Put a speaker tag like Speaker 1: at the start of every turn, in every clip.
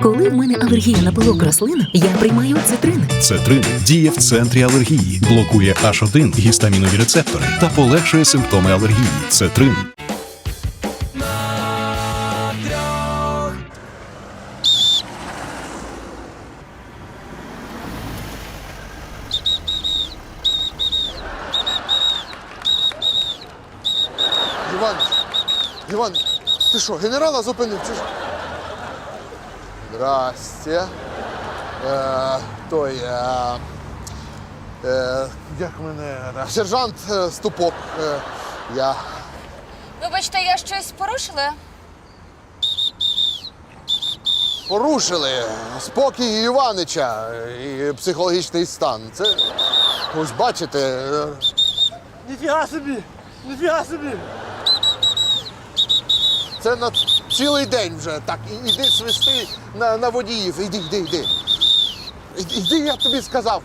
Speaker 1: Коли в мене алергія на пилок рослин, я приймаю цитрин.
Speaker 2: Цетрин діє в центрі алергії, блокує H1 гістамінові рецептори та полегшує симптоми алергії. Цетрин.
Speaker 3: Іван, ти що, генерала зупинив? Чи ж? Здрасте. Як мене? Сержант Ступок. Я.
Speaker 4: Вибачте, я щось порушила?
Speaker 3: Порушили спокій Іванича і психологічний стан. Це, ось бачите.
Speaker 5: Ніфіга собі! Ніфіга собі!
Speaker 3: Це на цілий день вже. Так, іди свисти на водіїв. Іди. Іди, я тобі сказав.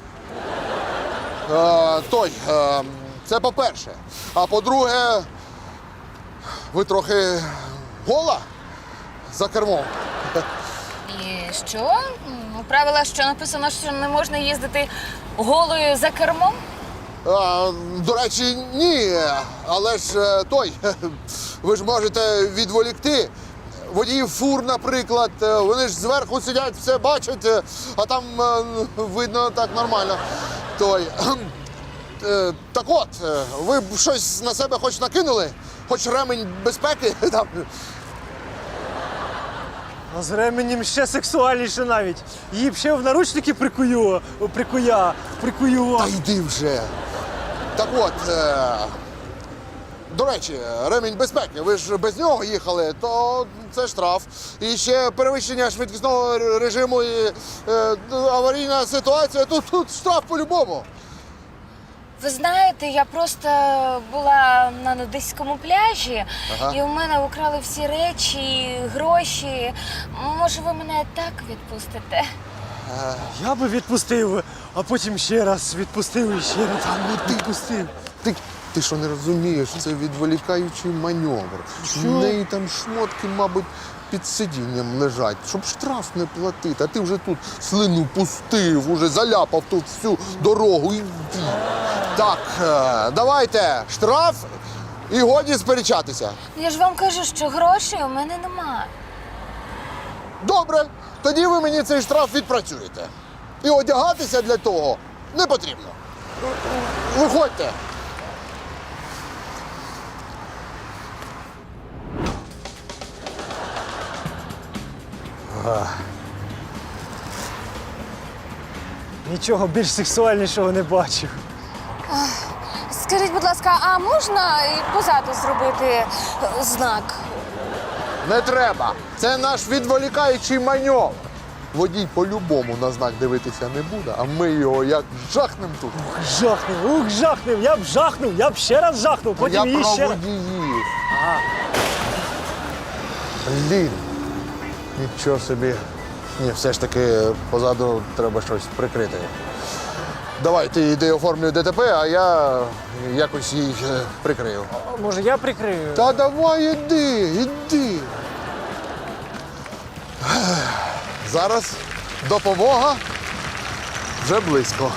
Speaker 3: Це по-перше. А по-друге, ви трохи гола за кермом.
Speaker 4: І що? У правилах що написано, що не можна їздити голою за кермом?
Speaker 3: До речі, ні. Але ж ви ж можете відволікти. Водіїв фур, наприклад, вони ж зверху сидять, все бачать, а там видно так нормально. Так от, ви б щось на себе хоч накинули? Хоч ремень безпеки? Там.
Speaker 5: А з ременем ще сексуальніше навіть. Її б ще в наручники прикую.
Speaker 3: Та йди вже. Так от, до речі, ремінь безпеки, ви ж без нього їхали, то це штраф. І ще перевищення швидкісного режиму і аварійна ситуація, тут штраф по-любому.
Speaker 4: Ви знаєте, я просто була на нудиському пляжі, і у мене украли всі речі, гроші. Може, ви мене так відпустите?
Speaker 5: Я би відпустив, а потім ще раз відпустив і ще раз відпустив.
Speaker 3: Ти що не розумієш, це відволікаючий маневр. У неї там шмотки, мабуть, під сидінням лежать, щоб штраф не платити. А ти вже тут слину пустив, уже заляпав тут всю дорогу. Іди. Так, давайте, штраф і годі сперечатися.
Speaker 4: Я ж вам кажу, що грошей у мене нема.
Speaker 3: Добре, тоді ви мені цей штраф відпрацюєте. І одягатися для того не потрібно. Виходьте.
Speaker 5: Нічого більш сексуальнішого не бачив.
Speaker 4: Скажіть, будь ласка, а можна і позаду зробити знак?
Speaker 3: Не треба. Це наш відволікаючий маневр. Водій по-любому на знак дивитися не буде, а ми його як жахнем тут.
Speaker 5: Жахнув, я б жахнув, я б ще раз жахнув,
Speaker 3: Я
Speaker 5: потім її
Speaker 3: про
Speaker 5: ще раз.
Speaker 3: водіїв. Блін. Нічого собі. Ні, все ж таки позаду треба щось прикрити. Давай, ти йди оформлюй ДТП, а я якось їх прикрию.
Speaker 5: Може, я прикрию?
Speaker 3: Та давай іди. Зараз допомога вже близько.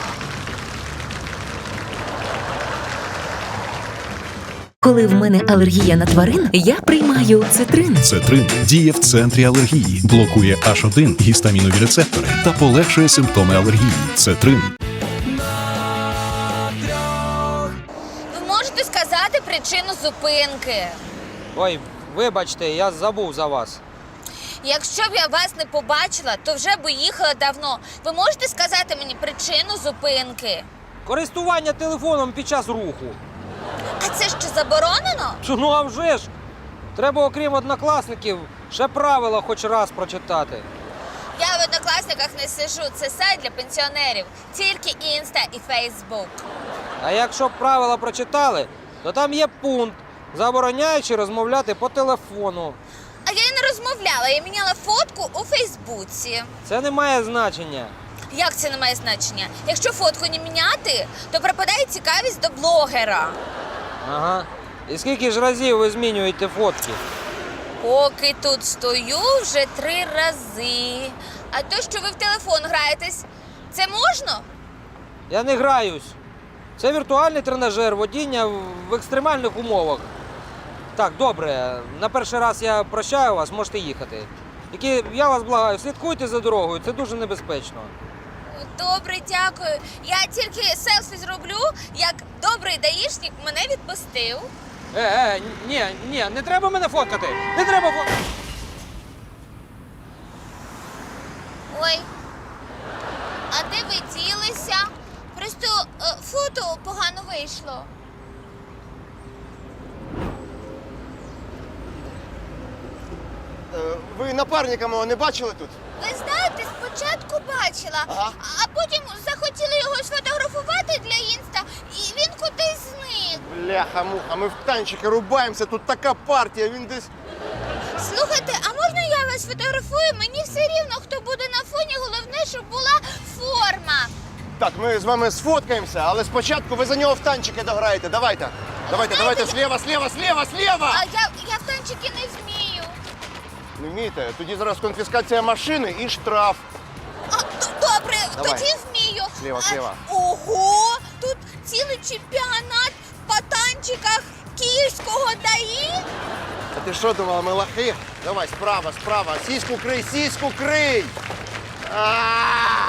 Speaker 1: Коли в мене алергія на тварин, я приймаю цитрин.
Speaker 2: Цетрин діє в центрі алергії, блокує H1 гістамінові рецептори та полегшує симптоми алергії. Цетрин.
Speaker 4: Ви можете сказати причину зупинки?
Speaker 6: Ой, вибачте, я забув за вас.
Speaker 4: Якщо б я вас не побачила, то вже б їхала давно. Ви можете сказати мені причину зупинки?
Speaker 6: Користування телефоном під час руху.
Speaker 4: А це що, заборонено?
Speaker 6: Ну а вже ж! Треба, окрім однокласників, ще правила хоч раз прочитати.
Speaker 4: Я в Однокласниках не сижу, це сайт для пенсіонерів. Тільки Інста і Фейсбук.
Speaker 6: А якщо б правила прочитали, то там є пункт, забороняючи розмовляти по телефону.
Speaker 4: А я і не розмовляла, я міняла фотку у Фейсбуці.
Speaker 6: Це не має значення.
Speaker 4: Як це не має значення? Якщо фотку не міняти, то пропадає цікавість до блогера.
Speaker 6: Ага. І скільки ж разів ви змінюєте фотки?
Speaker 4: Поки тут стою вже 3 рази. А то, що ви в телефон граєтесь, це можна?
Speaker 6: Я не граюсь. Це віртуальний тренажер водіння в екстремальних умовах. Так, добре, на перший раз я прощаю вас, можете їхати. Тільки я вас благаю, слідкуйте за дорогою, це дуже небезпечно.
Speaker 4: Добре, дякую. Я тільки селфі зроблю, як добрий даїшник мене відпустив.
Speaker 6: Ні, не треба мене фоткати. Не треба фоткати.
Speaker 4: Ой, а де ви ділися? Просто фото погано вийшло.
Speaker 7: Ви напарника мого не бачили тут?
Speaker 4: Ви знаєте, спочатку бачила,
Speaker 7: Ага.
Speaker 4: а потім захотіли його сфотографувати для інста, і він кудись зник.
Speaker 7: Бляха-муха, ми в танчики рубаємося, тут така партія, він десь...
Speaker 4: Слухайте, а можна я вас фотографую? Мені все рівно, хто буде на фоні, головне, щоб була форма.
Speaker 7: Так, ми з вами сфоткаємося, але спочатку ви за нього в танчики дограєте. Давайте. Давайте, слева.
Speaker 4: А я в танчики не вмію.
Speaker 7: Не вмієте? Тоді зараз конфіскація машини і штраф.
Speaker 4: Добре,
Speaker 7: Давай.
Speaker 4: тоді вмію.
Speaker 7: Слева.
Speaker 4: Ого, тут цілий чемпіонат по танчиках київського ДАІ.
Speaker 7: А ти що думала, ми лахи? Давай, справа. Сіську крий! А!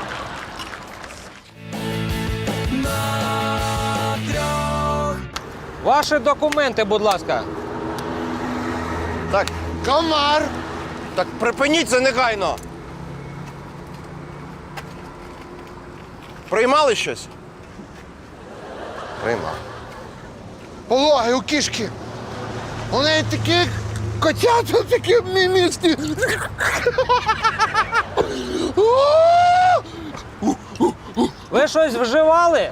Speaker 6: Ваші документи, будь ласка.
Speaker 7: Так,
Speaker 3: Комар!
Speaker 7: так припиніть це негайно. Приймали щось? Приймав.
Speaker 3: Пологи у кішки. У неї такі котята, такі мімісті.
Speaker 6: Ви щось вживали?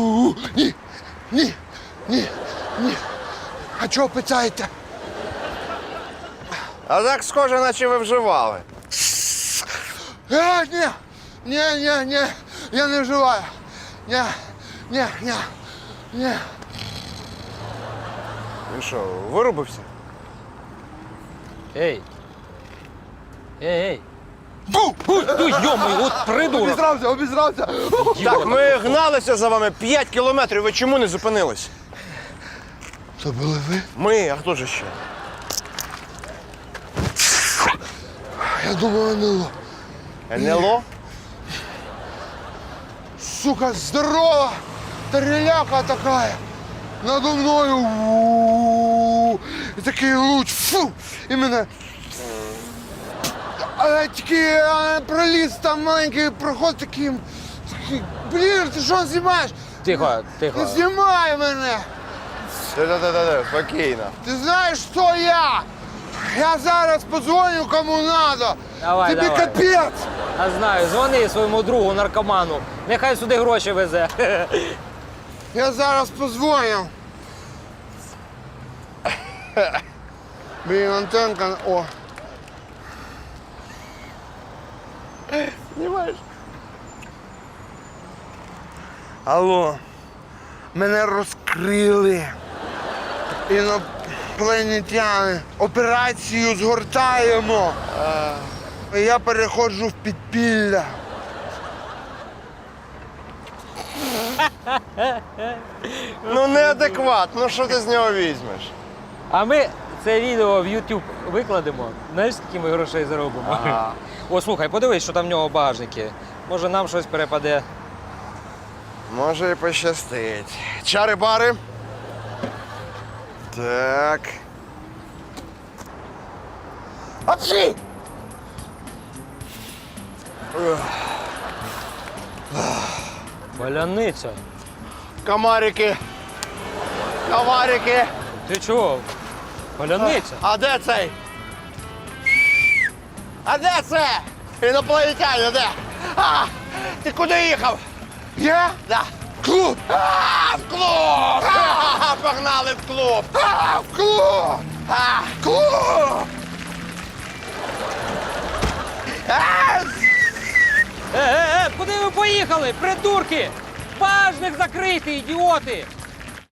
Speaker 3: Ні. А чого питаєте?
Speaker 7: А так схоже, наче ви вживали.
Speaker 3: Ні, я не вживаю. Ні.
Speaker 7: Він що, вирубився?
Speaker 6: Ей. Йомий, от придурок.
Speaker 3: Обізрався.
Speaker 7: Так, ми гналися за вами 5 кілометрів, ви чому не зупинились?
Speaker 3: Це були ви?
Speaker 7: Ми, а хто ж ще?
Speaker 3: Я думав, НЛО.
Speaker 7: НЛО?
Speaker 3: Сука, здорова! Тареляка такая. Надо мною. І такий луч. Фу! І мене. А тільки проліз там маленький проход такий. Блін, ти що знімаєш?
Speaker 6: Тихо.
Speaker 3: Не знімай мене!
Speaker 7: Да, спокійно.
Speaker 3: Ти знаєш, хто я? Я зараз подзвоню кому надо.
Speaker 6: Давай,
Speaker 3: Тобі
Speaker 6: давай.
Speaker 3: капець.
Speaker 6: Я знаю, дзвони своєму другу наркоману. Нехай сюди гроші везе.
Speaker 3: Я зараз позвоню. Блін, антенка. О.
Speaker 7: Знімаєш?
Speaker 3: Алло. Мене розкрили. Інопланетяни. Операцію згортаємо. Я переходжу в підпілля.
Speaker 7: Ну неадекват, ну що ти з нього візьмеш?
Speaker 6: А ми це відео в YouTube викладемо. Знаєш, скільки ми грошей заробимо? О, слухай, подивись, що там в нього в багажнику. Може, нам щось перепаде.
Speaker 7: Може і пощастить. Чари-бари. Так. Апчі!
Speaker 6: Паляниця.
Speaker 7: Комарики. Комарики.
Speaker 6: Ти чого? Паляниця.
Speaker 7: А де цей? А де це? Інопланетяни, де? А, ти куди їхав?
Speaker 3: Я?
Speaker 7: Да.
Speaker 3: Клуб!
Speaker 7: А, в клуб! А, погнали в клуб!
Speaker 3: А, в клуб!
Speaker 7: А,
Speaker 3: Клуб!
Speaker 6: Куди ви поїхали, придурки? Багажник закритий, ідіоти!